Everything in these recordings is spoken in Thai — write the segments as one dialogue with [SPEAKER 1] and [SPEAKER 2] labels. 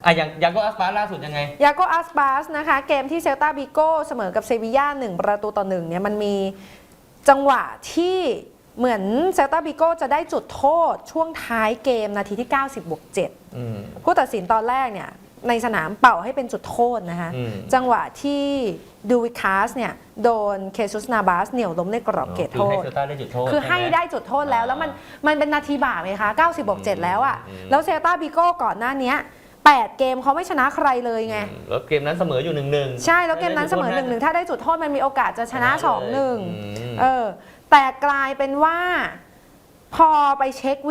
[SPEAKER 1] อย่างยาโกอัสปาล่าสุดยังไง
[SPEAKER 2] ยาโกอัสปาสนะคะเกมที่เซลตาบิโก้เสมอกับเซบีย่า1-1เนี่ยมันมีจังหวะที่เหมือนเซลตาบิโก้จะได้จุดโทษช่วงท้ายเกมนาทีที่90+7ผู้ตัดสินตอนแรกเนี่ยในสนามเป่าให้เป็นจุดโทษนะคะจังหวะที่ดูวิคาสเนี่ยโดนเคซุสนาบาสเหนี่ยวล้มในกรอบเขตโทษคือให้ได้จุดโทษแล้วมันเป็นนาทีบาปไงคะ90+7แล้วอ่ะแล้วเซลตาบิโก้ก่อนหน้านี้8 เกมเขาไม่ชนะใครเลยไง
[SPEAKER 1] แล้วเกมนั้นเสมออยู่1-1
[SPEAKER 2] ใช่แล้วเกมนั้นเสมอ1-1ถ้าได้จุดโทษมันมีโอกาสจะชนะ 2-1แต่กลายเป็นว่าพอไปเช็ค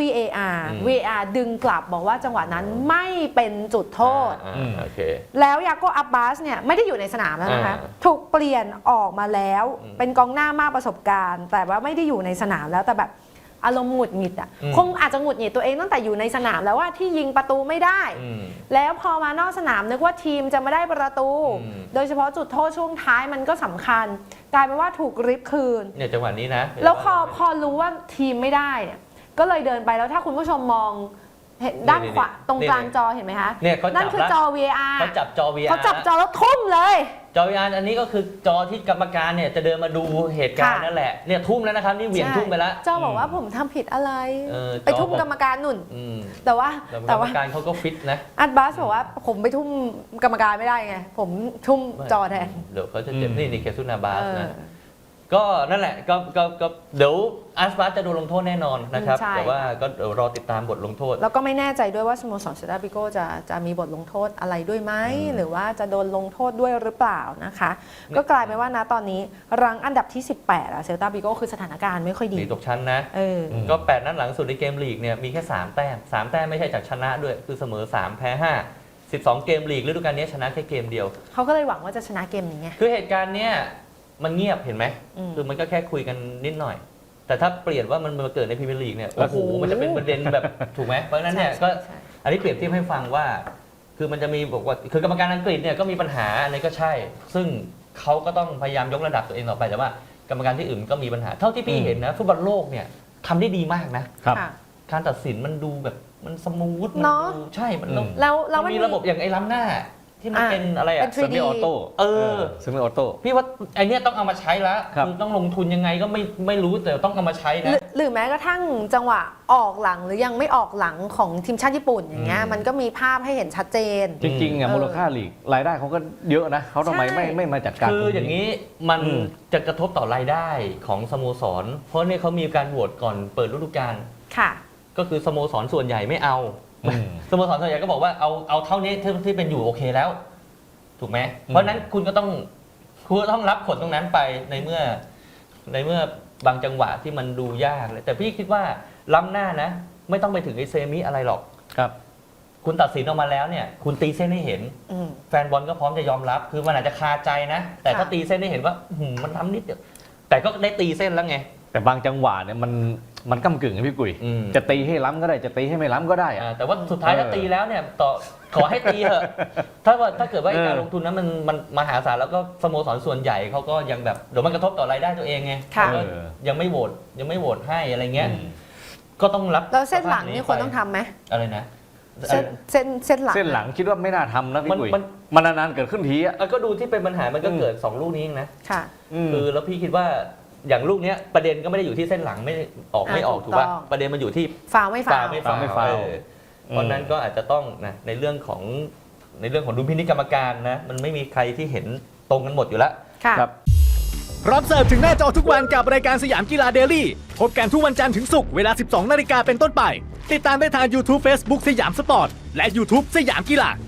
[SPEAKER 2] VAR ดึงกลับบอกว่าจังหวะนั้นไม่เป็นจุดโทษแล้วยาโกอับบาสเนี่ยไม่ได้อยู่ในสนามแล้วนะคะถูกเปลี่ยนออกมาแล้วเป็นกองหน้ามากประสบการณ์แต่ว่าไม่ได้อยู่ในสนามแล้วแต่แบบอารมณ์หงุดหงิดอ่ะคงอาจจะหงุดหงิดตัวเองตั้งแต่อยู่ในสนามแล้วว่าที่ยิงประตูไม่ได้แล้วพอมานอกสนามนึกว่าทีมจะไม่ได้ประตูโดยเฉพาะจุดโทษช่วงท้ายมันก็สำคัญกลายเป็นว่าถูกริบคืน
[SPEAKER 1] เนี่ยจังหวะนี้นะ
[SPEAKER 2] แล้วพอรู้ว่าทีมไม่ได้เนี่ยก็เลยเดินไปแล้วถ้าคุณผู้ชมมองด้านขวาตรงกลางจอเห็นไหมคะนั่นคือจอ VAR
[SPEAKER 1] เขาจับจอ VAR
[SPEAKER 2] เขาจับจอแล้วทุ่มเลย
[SPEAKER 1] จอ VAR อันนี้ก็คือจอที่กรรมการเนี่ยจะเดินมาดูเหตุการณ์นั่นแหละเนี่ยทุ่มแล้วนะครับนี่เหวี่ยงทุ่มไปแล้ว
[SPEAKER 2] จอบอกว่าผมทำผิดอะไรไปทุ่มกรรมการนุ่นแต่ว่าก
[SPEAKER 1] รรมการเขาก็ฟิตนะ
[SPEAKER 2] อัดบาสบอกว่าผมไปทุ่มกรรมการไม่ได้ไงผมทุ่มจอแทน
[SPEAKER 1] เดี๋ยวเขาจะเจ็บนี่เคซุนาบาสนะก็นั่นแหละก็เดี๋ยวอัสปาร์จะโดนลงโทษแน่นอนนะครับแต่ว่าก็รอติดตามบทลงโทษ
[SPEAKER 2] แล้วก็ไม่แน่ใจด้วยว่าสโมสรเซลตาบิโก้จะมีบทลงโทษอะไรด้วยไหมหรือว่าจะโดนลงโทษด้วยหรือเปล่านะคะก็กลายเป็นว่านะตอนนี้รังอันดับที่18อะเซลตาบิโก้คือสถานการณ์ไม่ค่อยดี
[SPEAKER 1] ตกชั้นนะก็8นัดหลังสุดในเกมลีกเนี่ยมีแค่3 แต้มไม่ใช่จากชนะด้วยคือเสมอ3แพ้5 12เกมลีกฤดูกาลนี้ชนะแค่เกมเดียว
[SPEAKER 2] เขาก็เลยหวังว่าจะชนะเกมนี้ไง
[SPEAKER 1] คือเหตุการณ์เนี้ยมันเงียบเห็นไหมคือมันก็แค่คุยกันนิดหน่อยแต่ถ้าเปลี่ยนว่ามันมาเกิดในพรีเมียร์ลีกเนี่ยโอ้โหมันจะเป็นประเด็นแบบถูกไหมเพราะฉะนั้นเนี่ยก็อันนี้เปรียบเทียบให้ฟังว่าคือมันจะมีบอกว่าคือกรรมการอังกฤษเนี่ยก็มีปัญหาอันนี้ก็ใช่ซึ่งเขาก็ต้องพยายามยกระดับตัวเองต่อไปแต่ว่ากรรมการที่อื่นก็มีปัญหาเท่าที่พี่เห็นนะฟุตบอลโลกเนี่ยทำได้ดีมากนะการตัดสินมันดูแบบมันสมูทมันดูใช่มัน
[SPEAKER 2] แล้ว
[SPEAKER 1] มีระบบอย่างไอ้ล้ำหน้าที่มันเป็นอะไรอะ
[SPEAKER 2] เซมิ
[SPEAKER 3] ออโต้เซมิออโต้
[SPEAKER 1] พี่ว่าไอเนี้ยต้องเอามาใช้แล้วคือต้องลงทุนยังไงก็ไม่รู้แต่ต้องเอามาใช้นะ
[SPEAKER 2] หรือแม้กระทั่งจังหวะออกหลังหรือยังไม่ออกหลังของทีมชาติญี่ปุ่นอย่างเงี้ยมันก็มีภาพให้เห็นชัดเจน
[SPEAKER 3] จริงๆมูลค่าลีกรายได้เขาก็เยอะนะเขาทำไมไม่มาจัดการ
[SPEAKER 1] คืออย่างนี้มันจะกระทบต่อรายได้ของสโมสรเพราะเนี่ยเขามีการโหวตก่อนเปิดฤดูกาล
[SPEAKER 2] ค่ะ
[SPEAKER 1] ก็คือสโมสรส่วนใหญ่ไม่เอาสโมสรส่วนใหญ่ก็บอกว่าเอาเท่านี้ที่เป็นอยู่โอเคแล้วถูกไหมเพราะนั้นคุณก็ต้องรับผลตรงนั้นไปในเมื่อบางจังหวะที่มันดูยากเลยแต่พี่คิดว่าล้ำหน้านะไม่ต้องไปถึงไอเซมิอะไรหรอก
[SPEAKER 3] ครับ
[SPEAKER 1] คุณตัดสินออกมาแล้วเนี่ยคุณตีเส้นให้เห็นแฟนบอลก็พร้อมจะยอมรับคือมันอาจจะคาใจนะแต่ถ้าตีเส้นให้เห็นว่ามันทำนิดเดียวแต่ก็ได้ตีเส้นแล้วไง
[SPEAKER 3] แต่บางจังหวะเนี่ยมันก้ำกึ่งนะพี่กุยจะตีให้ล้ำก็ได้จะตีให้ไม่ล้ำก็ได้
[SPEAKER 1] แต่ว่าสุดท้ายถ้าตีแล้วเนี่ยขอให้ตีเถอะถ้าเกิดว่าการลงทุนนั้นมันมหาศาลแล้วก็สโมสรส่วนใหญ่เขาก็ยังแบบเดี๋ยวมันกระทบต่อรายได้ตัวเองไงยังไม่โหวตให้อะไรเงี้ยก็ต้องรับ
[SPEAKER 2] แล้วเส้นหลังนี่ควรต้องทำไหม
[SPEAKER 1] อะไรนะ
[SPEAKER 2] เส้น
[SPEAKER 3] หลังคิดว่าไม่น่าทำนะพี่กุยมันนานๆเกิดขึ้นทีอ่ะ
[SPEAKER 1] ก็ดูที่เป็นปัญหามันก็เกิด2ลูกนี้เองนะ
[SPEAKER 2] ค่ะ
[SPEAKER 1] คือแล้วพี่คิดว่าอย่างลูกนี้ประเด็นก็ไม่ได้อยู่ที่เส้นหลังไม่ออกถูกป่ะประเด็นมันอยู่ที่
[SPEAKER 2] ฟาวไม่ฟาว
[SPEAKER 1] เพราะนั้นก็อาจจะต้องนะในเรื่องของดุลพินิจกรรมการนะมันไม่มีใครที่เห็นตรงกันหมดอยู่แล้ว
[SPEAKER 2] ครับ
[SPEAKER 4] พร้อมเสิร์ฟถึงหน้าจอทุกวันกับรายการสยามกีฬาเดลี่พบกันทุกวันจันทร์ถึงศุกร์เวลา 12 นาฬิกาเป็นต้นไปติดตามได้ทาง YouTube Facebook สยามสปอร์ตและ YouTube สยามกีฬา